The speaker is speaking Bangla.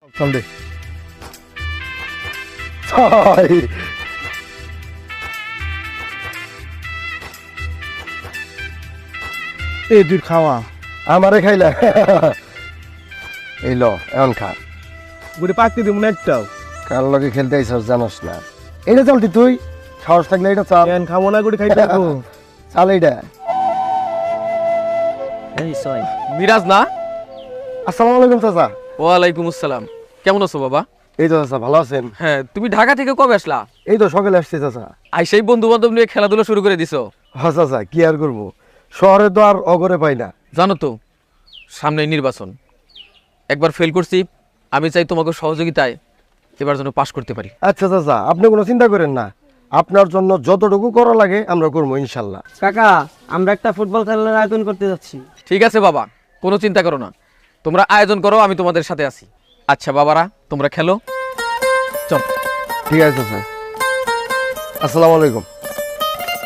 সামনে 6 এই দুই খাওয়া আমারে খাইলা এই ল এখন খা গুড়ি পাকতে দিব না একটাও কার লগে খেলতে আইছস জানোস না এটা চলতি তুই সাহস থাকলে এটা চাল কেন খাবো না গুড়ি খাইতে থাকো চাল এইটা মিরাজ না? আসসালামু আলাইকুম চাচা। ওয়ালাইকুম আসসালাম। কেমন আছো বাবা? এই তো চাচা ভালো আছেন? হ্যাঁ, তুমি ঢাকা থেকে কবে আসলা? এই তো সকালে আসছি চাচা। আইসাই বন্ধু বান্ধব নিয়ে খেলাধুলা শুরু করে দিছো? হ্যাঁ চাচা কি আর করবো, শহরে তো আর অগরে পাই না। জানো তো সামনে নির্বাচন, একবার ফেল করছি, আমি চাই তোমাকে সহযোগিতায় এবার যেন পাশ করতে পারি। আচ্ছা চাচা আপনি কোনো চিন্তা করেন না, আপনার জন্য যতটুকু করা লাগে আমরা করবো ইনশাল্লাহ। কাকা আমরা একটা ফুটবল খেলার আয়োজন করতে যাচ্ছি। ঠিক আছে বাবা, কোনো চিন্তা করো না, তোমরা আয়োজন করো, আমি তোমাদের সাথে আছি। আচ্ছা বাবারা তোমরা খেলো, চল। ঠিক আছে চাচা, আসসালামু আলাইকুম।